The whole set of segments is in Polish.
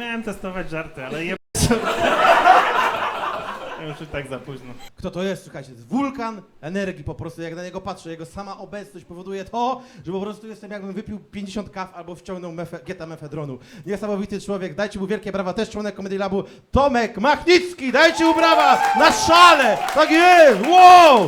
miałem testować żarty, ale je... Już i tak za późno. Kto to jest? Słuchajcie, to jest wulkan energii po prostu, jak na niego patrzę. Jego sama obecność powoduje to, że po prostu jestem jakbym wypił 50 kaw albo wciągnął geta mefedronu. Niesamowity człowiek, dajcie mu wielkie brawa, też członek Comedy Labu, Tomek Machnicki, dajcie mu brawa na szale! Tak jest! Wow!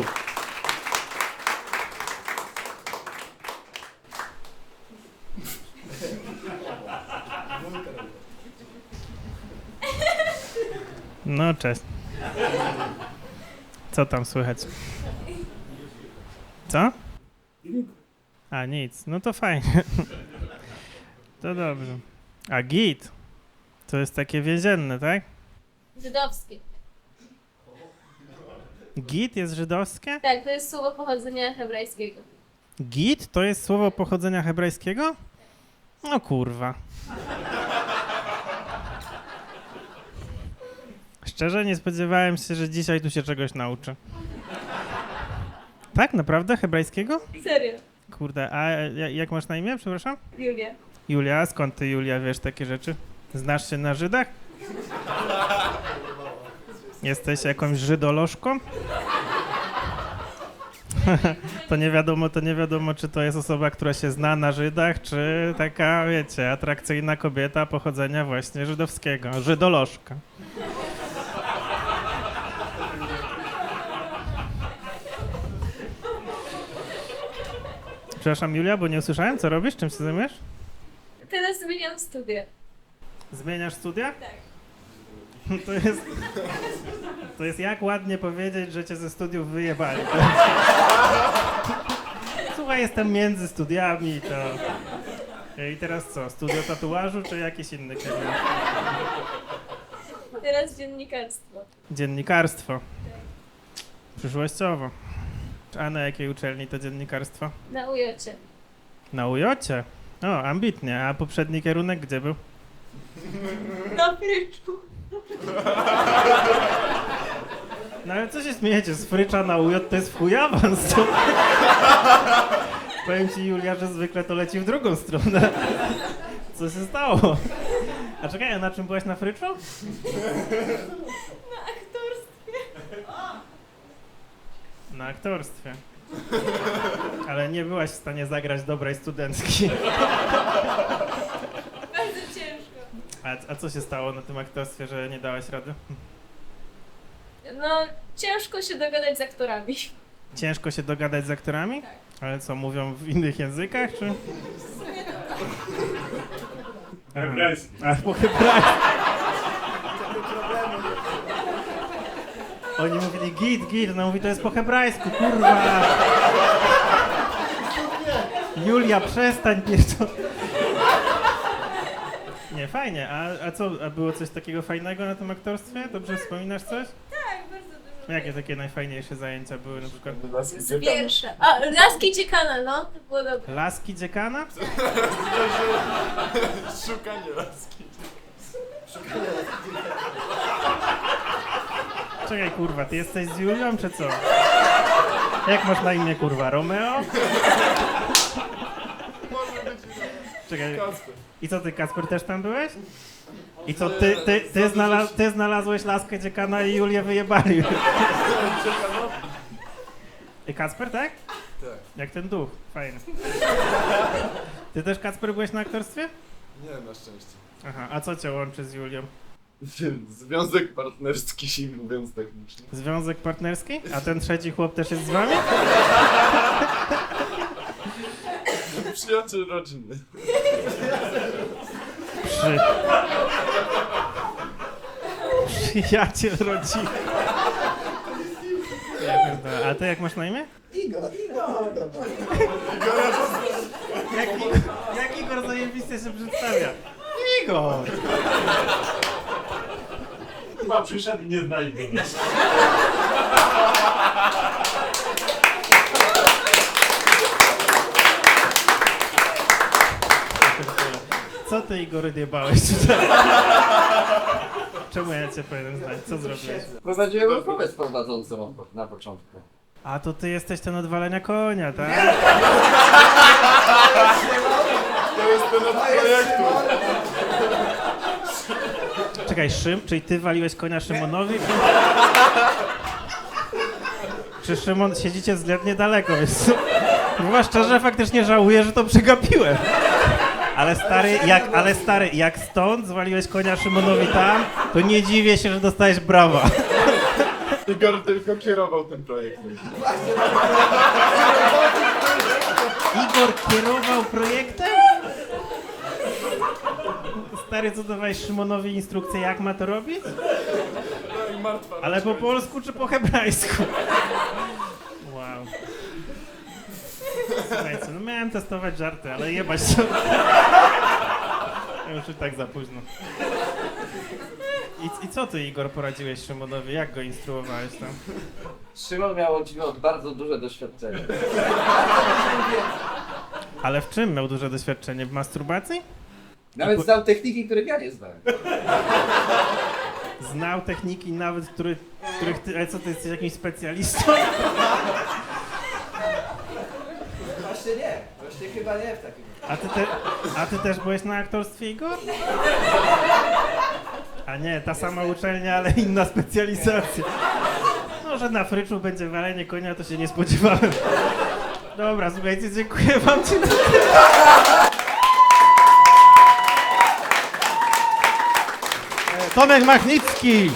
No, cześć. Co tam słychać? Co? A, nic. No to fajnie. To dobrze. A git? To jest takie więzienne, tak? Żydowskie. Git jest żydowskie? Tak, to jest słowo pochodzenia hebrajskiego. Git to jest słowo pochodzenia hebrajskiego? No kurwa. Szczerze nie spodziewałem się, że dzisiaj tu się czegoś nauczę. Tak? Naprawdę? Hebrajskiego? Serio. Kurde, a jak masz na imię, przepraszam? Julia. Julia, a skąd ty, Julia, wiesz takie rzeczy? Znasz się na Żydach? Jesteś jakąś żydolożką? To nie wiadomo, czy to jest osoba, która się zna na Żydach, czy taka, wiecie, atrakcyjna kobieta pochodzenia właśnie żydowskiego. Żydolożka. Przepraszam, Julia, bo nie usłyszałem, co robisz? Czym się zajmujesz? Teraz zmieniam studia. Zmieniasz studia? Tak. To jest jak ładnie powiedzieć, że cię ze studiów wyjebali. Słuchaj, jestem między studiami, to... I teraz co? Studio tatuażu, czy jakiś inny kierunek? Teraz dziennikarstwo. Dziennikarstwo. Przyszłościowo. A na jakiej uczelni to dziennikarstwo? Na UJ-cie. Na UJ-cie? O, ambitnie. A poprzedni kierunek gdzie był? Na Fryczu. No ale co się śmiejecie? Z Frycza na UJ to jest w chuj awans. To... Powiem ci, Julia, że zwykle to leci w drugą stronę. Co się stało? A czekaj, a na czym byłaś na Fryczu? Na aktorstwie. Na aktorstwie. Ale nie byłaś w stanie zagrać dobrej studentki. Bardzo ciężko. A co się stało na tym aktorstwie, że nie dałaś rady? No, ciężko się dogadać z aktorami. Ciężko się dogadać z aktorami? Tak. Ale co, mówią w innych językach, czy? Hebrajski. A, po hebrajsku. Oni mówili git, no mówi to jest po hebrajsku, kurwa. Julia, przestań pierdol. Nie, fajnie, a co, a było coś takiego fajnego na tym aktorstwie? Dobrze wspominasz coś? Tak, bardzo dużo. Jakie takie najfajniejsze zajęcia były na przykład? Z pierwsza. A, Laski Ciekana, no, to było dobre. Laski dziekana? Szukanie laski. Czekaj, kurwa, ty jesteś z Julią, czy co? Jak masz na imię, kurwa? Romeo? Czekaj, Kasper. i co ty, Kasper, też tam byłeś? I co, ty znalazłeś laskę dziekana i Julię wyjebali? I Kasper, tak? Tak. Jak ten duch, fajny. Ty też, Kasper, byłeś na aktorstwie? Nie, na szczęście. Aha, a co cię łączy z Julią? Związek partnerski, mówiąc technicznie. Związek partnerski? A ten trzeci chłop też jest z wami? Przyjaciel rodzinny. Przyjaciel rodziny. Ja pierdolę. A ty jak masz na imię? Jak Igor zajebiście się przedstawia? Igor! Chyba przyszedł i nie znajdzie. Co ty, Igor, odjebałeś tutaj? Czemu ja cię powinienem znać? Co zrobiłeś? Prowadziłem rozmowę z prowadzącą na początku. A to ty jesteś ten od walenia konia, tak? To jest ten od projektu. czekaj, czyli ty waliłeś konia Szymonowi? Czy Szymon, siedzicie względnie daleko, więc chyba szczerze faktycznie żałuję, że to przegapiłem. Ale stary, jak stąd zwaliłeś konia Szymonowi tam, to nie dziwię się, że dostałeś brawa. Igor tylko kierował tym projektem. Igor kierował projektem? Stary, co dawałeś Szymonowi instrukcję, jak ma to robić? No i martwa. Ale po polsku czy po hebrajsku? Wow. Słuchajcie, no miałem testować żarty, ale jebać to. Już i tak za późno. I co ty, Igor, poradziłeś Szymonowi? Jak go instruowałeś tam? Szymon miał bardzo duże doświadczenie. Ale w czym miał duże doświadczenie? W masturbacji? Nawet znał techniki, których ja nie znałem. Znał techniki nawet, których ty... Ale co, ty jesteś jakimś specjalistą? Właśnie nie. Właśnie chyba nie w takim. A ty też byłeś na aktorstwie, Igor? A nie, ta sama uczelnia, ale inna specjalizacja. No, że na fryczu będzie walenie konia, to się nie spodziewałem. Dobra, słuchajcie, dziękuję wam. Tomek Machnicki!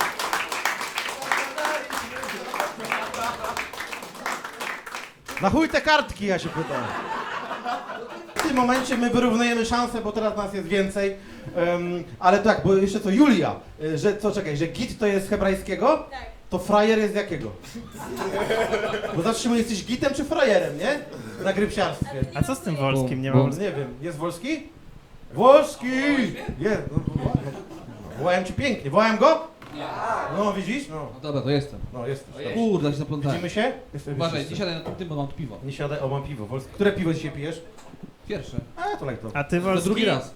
Na chuj te kartki, ja się pytam. W tym momencie my wyrównujemy szanse, bo teraz nas jest więcej. Ale tak, bo jeszcze co, Julia, że git to jest z hebrajskiego? Tak. To frajer jest z jakiego? Bo zatrzymaj, jesteś gitem czy frajerem, nie? Na grypsiarstwie. A co z tym Wolskim? Nie mam... Nie wiem, jest Wolski? Wolski! Jest, wołałem ci pięknie, wołałem go? No widzisz? No, No dobra, to jestem. no jesteś. Dobrze. Kurde, się zaplątałem. Widzimy się? Jestem Uważaj, wszyscy. nie siadaj na tym, bo mam tu piwo. Nie siadaj, o mam piwo. Wolski. Które piwo dzisiaj pijesz? Pierwsze. A, to lajto. A ty Wolski, drugi raz.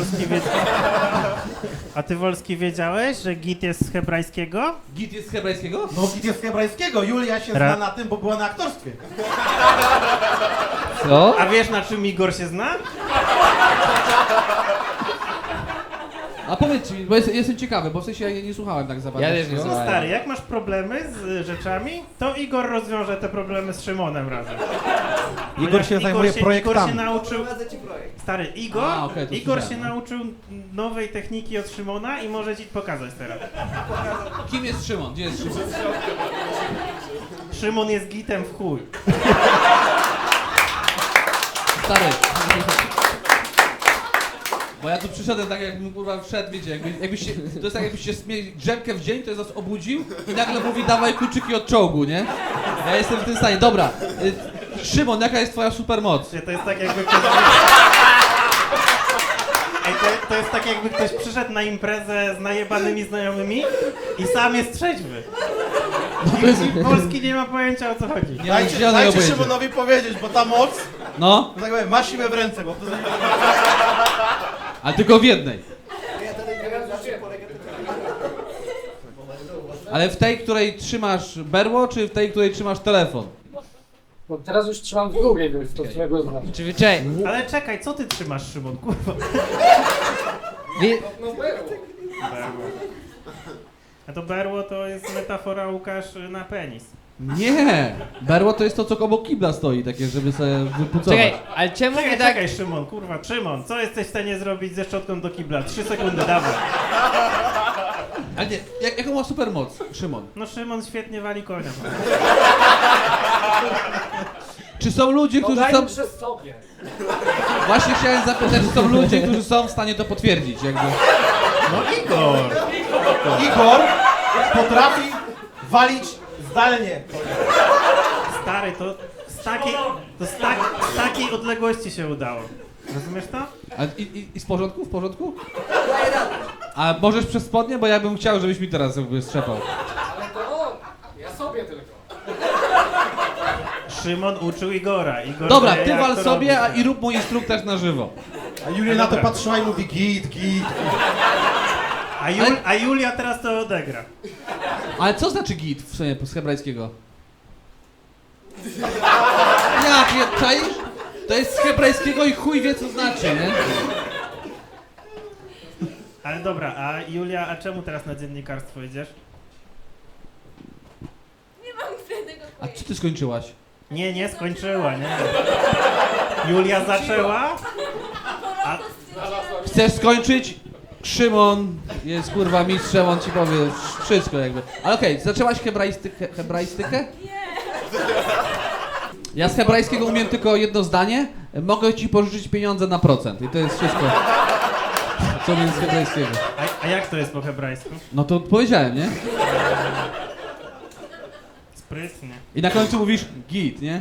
A ty Wolski wiedziałeś, że git jest z hebrajskiego? Git jest z hebrajskiego? No git jest z hebrajskiego, Julia się Ra- zna na tym, bo była na aktorstwie. Co? A wiesz, na czym Igor się zna? A powiedz mi, bo jestem ciekawy, bo w sensie ja nie słuchałem tak za bardzo. Ja też nie No słuchałem. stary, jak masz problemy z rzeczami, to Igor rozwiąże te problemy z Szymonem razem. Igor się zajmuje Igor projektami. się nauczył... Prowadzę ci projekt. Stary, Igor, A, okej, to Igor się słyszałem. nauczył nowej techniki od Szymona i może ci pokazać teraz. Kim jest Szymon? Gdzie jest Szymon? Szymon jest gitem w chuj. Stary. Bo ja tu przyszedłem tak jakbym kurwa wszedł, wiecie, jakbyś się, to jest tak jakbyś się mieli drzemkę w dzień, to jest nas obudził i nagle mówi dawaj kluczyki od czołgu, nie? Ja jestem w tym stanie. Dobra, Szymon, jaka jest twoja supermoc? To jest tak jakby ktoś... Ej, to jest tak jakby ktoś przyszedł na imprezę z najebanymi znajomymi i sam jest trzeźwy. I Polski nie ma pojęcia, o co chodzi. Nie mam zielonego Dajcie pojęcia. Szymonowi powiedzieć, bo ta moc, No, tak powiem, ma siłę w ręce, bo to... ale tylko w jednej. Ale w tej, której trzymasz berło, czy w tej, której trzymasz telefon? Bo teraz już trzymam w głowie, więc to którego znam. Ale czekaj, co ty trzymasz, Szymon, kurwa? No było. A to berło to jest metafora, Łukasz, na penis. Nie! Berło to jest to, co obok kibla stoi, takie, żeby sobie wypucować. Czekaj, ale czemu Czekaj, mnie tak... czekaj, Szymon, kurwa, Szymon, co jesteś w stanie zrobić ze szczotką do kibla? 3 sekundy, dawaj. Ale nie, jaką ma supermoc, Szymon? No Szymon świetnie wali konia. Czy są ludzie, którzy są... Dajmy przez sobie. Właśnie chciałem zapytać, czy są ludzie, którzy są w stanie to potwierdzić, jakby. No Igor! Igor potrafi walić zdalnie. Stary, to z takiej odległości się udało. Rozumiesz to? A i w porządku? W porządku? A możesz przez spodnie? Bo ja bym chciał, żebyś mi teraz jakby strzepał. Ale to on. Ja sobie tylko. Szymon uczył Igora. Igor Dobra, wie, ty jak wal to sobie, robić. i rób mój instruktaż na żywo. A Julia na to Dobra. patrzyła i mówi git, git. A Julia teraz to odegra. Ale co znaczy git w sumie z hebrajskiego? Jak, czaisz? To jest z hebrajskiego i chuj wie co znaczy, nie? Ale dobra, a Julia, a czemu teraz na dziennikarstwo idziesz? Nie mam tego A pojęcia. czy ty skończyłaś? Nie skończyła, nie. Julia zaczęła? Po roku stwierdziłam, Chcesz skończyć? Szymon jest kurwa mistrzem, on ci powie wszystko jakby. Ale okej, zaczęłaś hebraistykę? nie. Ja z hebrajskiego umiem tylko jedno zdanie. Mogę ci pożyczyć pieniądze na procent. I to jest wszystko. Co umiem z hebrajskiego. A jak to jest po hebrajsku? No to powiedziałem, nie? Sprytnie. I na końcu mówisz git, nie?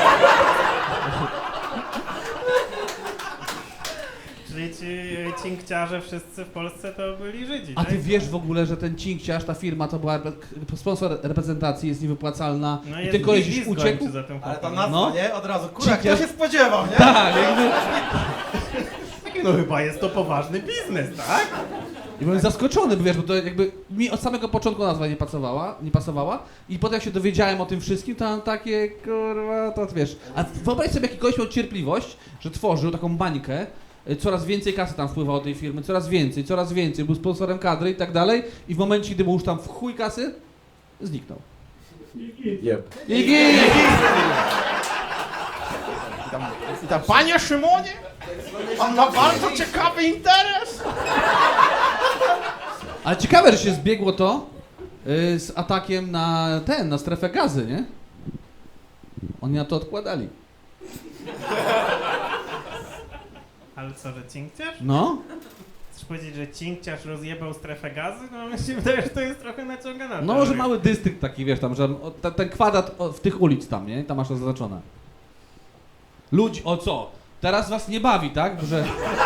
Czyli ci cinkciarze wszyscy w Polsce to byli Żydzi, A tak? ty wiesz w ogóle, że ten cinkciarz, ta firma to była sponsor reprezentacji, jest niewypłacalna. No I jest ten koleś już Lizgoń uciekł? czy za tym Ale ta chłopakiem. nazwa, No. nie? Od razu, kurwa, kto Cinkciarz- się spodziewał, nie? Tak, jakby. No chyba jest to poważny biznes, tak? I byłem zaskoczony, bo wiesz, bo to jakby mi od samego początku nazwa nie pasowała i potem jak się dowiedziałem o tym wszystkim, to mam takie, kurwa, to wiesz. A wyobraź sobie, jaki koleś miał cierpliwość, że tworzył taką bańkę, coraz więcej kasy tam wpływało do tej firmy, coraz więcej, był sponsorem kadry i tak dalej i w momencie, gdy był już tam w chuj kasy, zniknął. Jeb. I git! I tam, panie Szymonie, on ma bardzo ciekawy interes. Ale ciekawe, że się zbiegło to z atakiem na strefę gazy, nie? Oni na to odkładali. Ale co, że cinkciarz? No. Chcesz powiedzieć, że cinkciarz rozjebał strefę gazy? No mi się wydaje, że to jest trochę naciągane. No, że mały dystrykt taki, wiesz, tam, że ten kwadrat w tych ulic tam, nie? Tam masz to zaznaczone. Ludzi, o co? Teraz was nie bawi, tak? Że...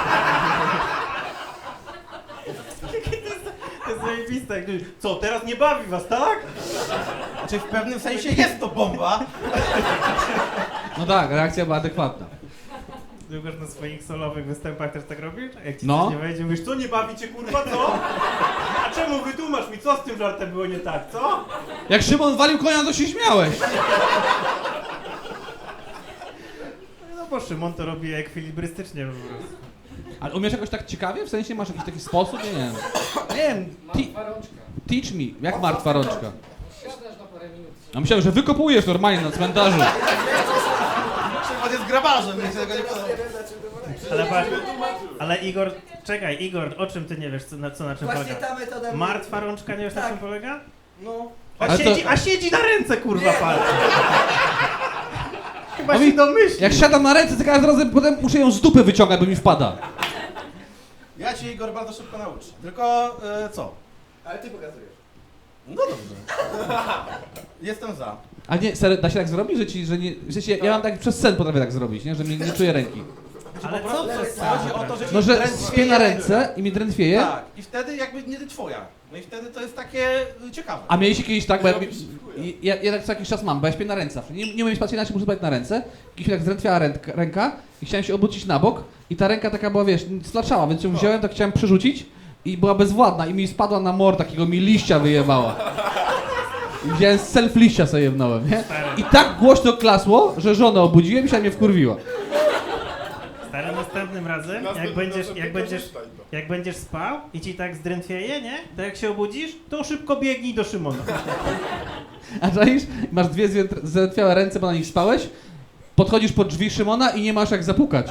To jest zajebiste, jak ktoś, co, teraz nie bawi was, tak? Znaczy w pewnym sensie jest to bomba. No tak, reakcja była adekwatna. Długoż na swoich solowych występach też tak robisz? Jak ci No. coś nie wejdzie, mówisz, co, nie bawi cię, kurwa, co? A czemu wytłumacz mi, co z tym żartem było nie tak, co? Jak Szymon walił konia, to się śmiałeś. No bo Szymon to robi ekwilibrystycznie po prostu. Ale umiesz jakoś tak ciekawie? W sensie masz jakiś taki sposób? Nie wiem. Nie wiem. Martwa rączka. Teach me. Jak martwa rączka? Siadasz na parę minut. A myślałem, że wykopujesz normalnie na cmentarzu. Szymon jest grabarzem, mi się tego nie podoba. Ale, ale Igor, czekaj, Igor, o czym ty nie wiesz, na czym Właśnie polega? ta metoda... Martwa rączka, nie wiesz na Tak. czym polega? No. Ale to- A siedzi na ręce, kurwa, palce. Chyba A się mi- domyśli. Jak siadam na ręce, to każdym razem potem muszę ją z dupy wyciągać, bo mi wpada. Ja cię, Igor, bardzo szybko nauczę. Tylko, co? Ale ty pokazujesz. No dobrze. Jestem za. A nie, serio, da się tak zrobić, że nie... W sensie, ja mam tak przez sen potrafię tak zrobić, nie? Że mi nie czuję ręki. Ale Po co prostu przez chodzi o to, że No, ci że drętwieje spię na ręka. ręce i mi drętwieje. Tak. I wtedy jakby nie twoja. No i wtedy to jest takie ciekawe. A mieliście kiedyś tak, bo ja tak co jakiś czas mam, bo ja śpię na ręce. Nie umiem spać inaczej, muszę spać na ręce. Kiedyś mi tak zdrętwiała ręka i chciałem się obrócić na bok i ta ręka taka była, wiesz, splaczała, więc ją wziąłem, tak chciałem przerzucić i była bezwładna i mi spadła na mor, takiego mi liścia wyjebała. I wziąłem self liścia sobie jebnąłem, nie? I tak głośno klasło, że żonę obudziłem i się mnie wkurwiła. Stary, następnym razem, jak będziesz spał i ci tak zdrętwieje, nie? To jak się obudzisz, to szybko biegnij do Szymona. A czaisz? Masz dwie zdrętwiałe ręce, bo na nich spałeś, podchodzisz pod drzwi Szymona i nie masz jak zapukać.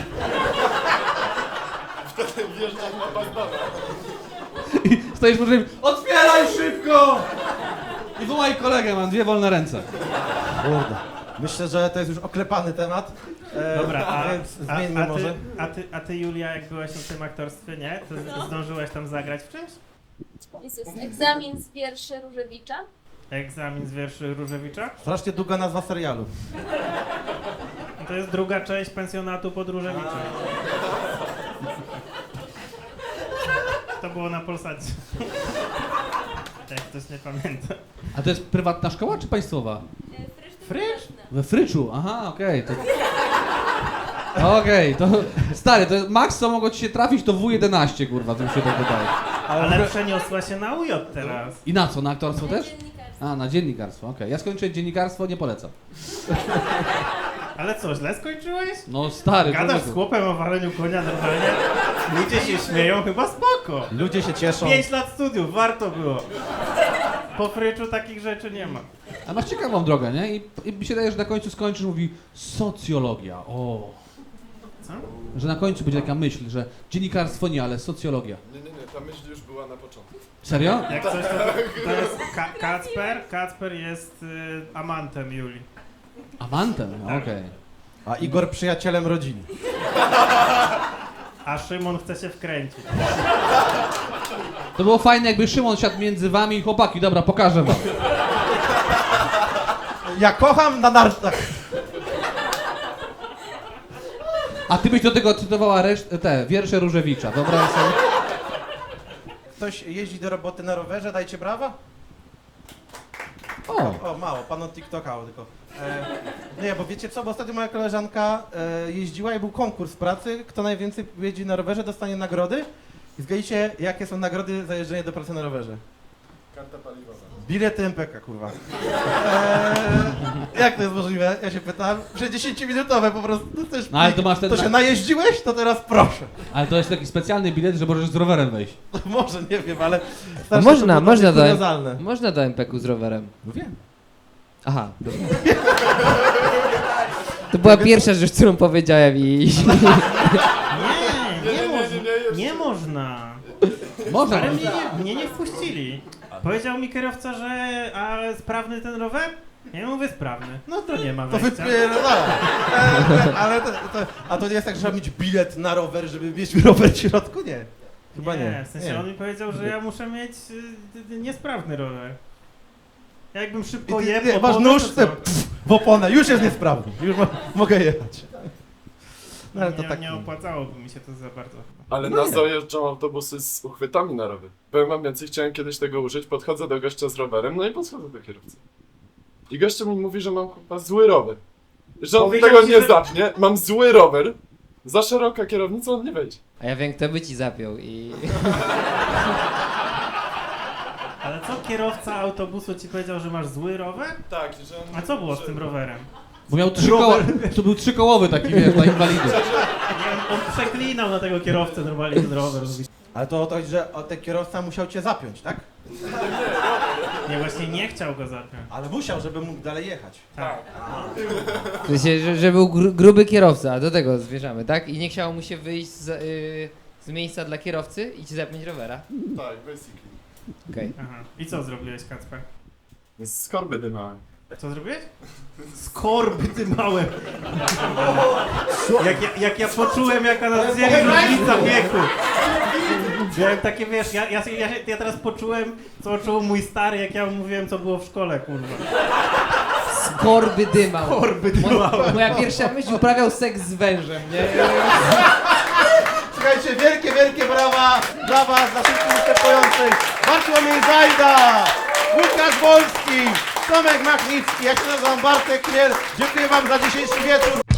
Wjeżdżam na bandana. I stoisz pod drzwi, otwieraj szybko! I wołaj kolegę, mam dwie wolne ręce. Kurde. Myślę, że to jest już oklepany temat. Dobra, więc zmieńmy może. a ty Julia, jak byłaś na tym aktorstwie, nie? To zdążyłaś tam zagrać w czymś? Jezus, egzamin z wierszy Różewicza. Egzamin z wierszy Różewicza? Strasznie długa nazwa serialu. To jest druga część pensjonatu pod Różewiczem. To było na Polsacie. Jak ktoś nie pamięta. A to jest prywatna szkoła czy państwowa? Frycz? We Fryczu, aha, okej. Okej, to stary, to max co mogło ci się trafić to W11, kurwa, to mi się tak wydaje. Ale przeniosła się na UJ teraz. I na co, na aktorstwo Na też? dziennikarstwo. A, na dziennikarstwo, okej. Ja skończyłem dziennikarstwo, nie polecam. Ale co, źle skończyłeś? No stary, Gadasz z człowieku. chłopem o waleniu konia normalnie? Ludzie się śmieją, chyba spoko. Ludzie się cieszą. 5 lat studiów, warto było. Po fryczu takich rzeczy nie ma. A masz ciekawą drogę, nie? I mi się wydaje, że na końcu skończysz, mówi socjologia. O. Co? Że na końcu będzie taka myśl, że dziennikarstwo nie, ale socjologia. Nie, ta myśl już była na początku. Serio? Jak coś, to jest Kacper. Kacper jest amantem Julii. Amantem? Okej. A Igor przyjacielem rodziny. A Szymon chce się wkręcić. To było fajne, jakby Szymon siadł między wami i chłopaki. Dobra, pokażę wam. Ja kocham na nartach. A ty byś do tego cytowała te wiersze Różewicza. Wyobraź sobie. Ktoś jeździ do roboty na rowerze, dajcie brawa. O. O, mało, pan od TikToka tylko. Nie, bo wiecie co, bo ostatnio moja koleżanka jeździła i był konkurs pracy, kto najwięcej jeździ na rowerze, dostanie nagrody. I zgadnijcie, jakie są nagrody za jeżdżenie do pracy na rowerze? Karta paliwowa. Bilety MPK, kurwa. Jak to jest możliwe? Ja się pytam. Przecież 10-minutowe po prostu. To, też No, ale to masz ten- to się najeździłeś? To teraz proszę. Ale to jest taki specjalny bilet, że możesz z rowerem wejść. Może, nie wiem, ale... A strasznie można, to było można takie do, kuriozalne. można do MPK-u z rowerem. No wiem. Aha, dobra. To była pierwsza rzecz, którą powiedziałem i... Nie można. Można. Ale mnie nie wpuścili. Powiedział mi kierowca, że sprawny ten rower? Ja mówię sprawny. No to nie ma To wejścia. wypierdala. Ale a to nie jest tak, że trzeba mieć bilet na rower, żeby mieć rower w środku? Nie. Chyba nie. W sensie on mi powiedział, że ja muszę mieć niesprawny rower. Jakbym szybko jebł Nie, masz oponę, nóż to co? w oponę, już jest niesprawny. Już mogę jechać. No ale to nie, tak... nie opłacałoby mi się to za bardzo. Ale nas dojeżdżą autobusy z uchwytami na rower. Powiem wam więcej, chciałem kiedyś tego użyć, podchodzę do gościa z rowerem, no i podchodzę do kierowcy. I gościu mi mówi, że mam chyba zły rower. Że on Powiedział tego ci, nie że- zapnie, mam zły rower, za szeroka kierownica, on nie wejdzie. A ja wiem, kto by ci zapiął i... Ale co kierowca autobusu ci powiedział, że masz zły rower? Tak, że on... A co było z tym rowerem? Bo miał to był trzykołowy taki, wiesz, dla inwalidów. Nie, on przeklinał na tego kierowcę normalnie ten rower. Mówi, Ale to o to chodzi, że ten kierowca musiał cię zapiąć, tak? nie, właśnie nie chciał go zapiąć. Ale musiał, żeby mógł dalej jechać. Tak. W sensie, że był gruby kierowca, do tego zmierzamy, tak? I nie chciało mu się wyjść z miejsca dla kierowcy i ci zapiąć rowera. Tak, basically. Okej. Aha. I co zrobiłeś, Kacper? Z korby dymałem. Co zrobiłeś? Skorby ty małe. Jak ja poczułem, jaka nas dzieli różnica wieku. Miałem takie, wiesz, ja teraz poczułem, co czuł mój stary, jak ja mu mówiłem, co było w szkole, kurwa. Skorby dymał. Skorby dymałem. Moja pierwsza myśl, uprawiał seks z wężem, nie? Słuchajcie, wielkie, wielkie brawa dla was, dla wszystkich występujących. Bartłomiej Zajda, Łukasz Wolski, Tomek Machnicki, ja się nazywam Bartek Chmiel. Dziękuję wam za dzisiejszy wieczór.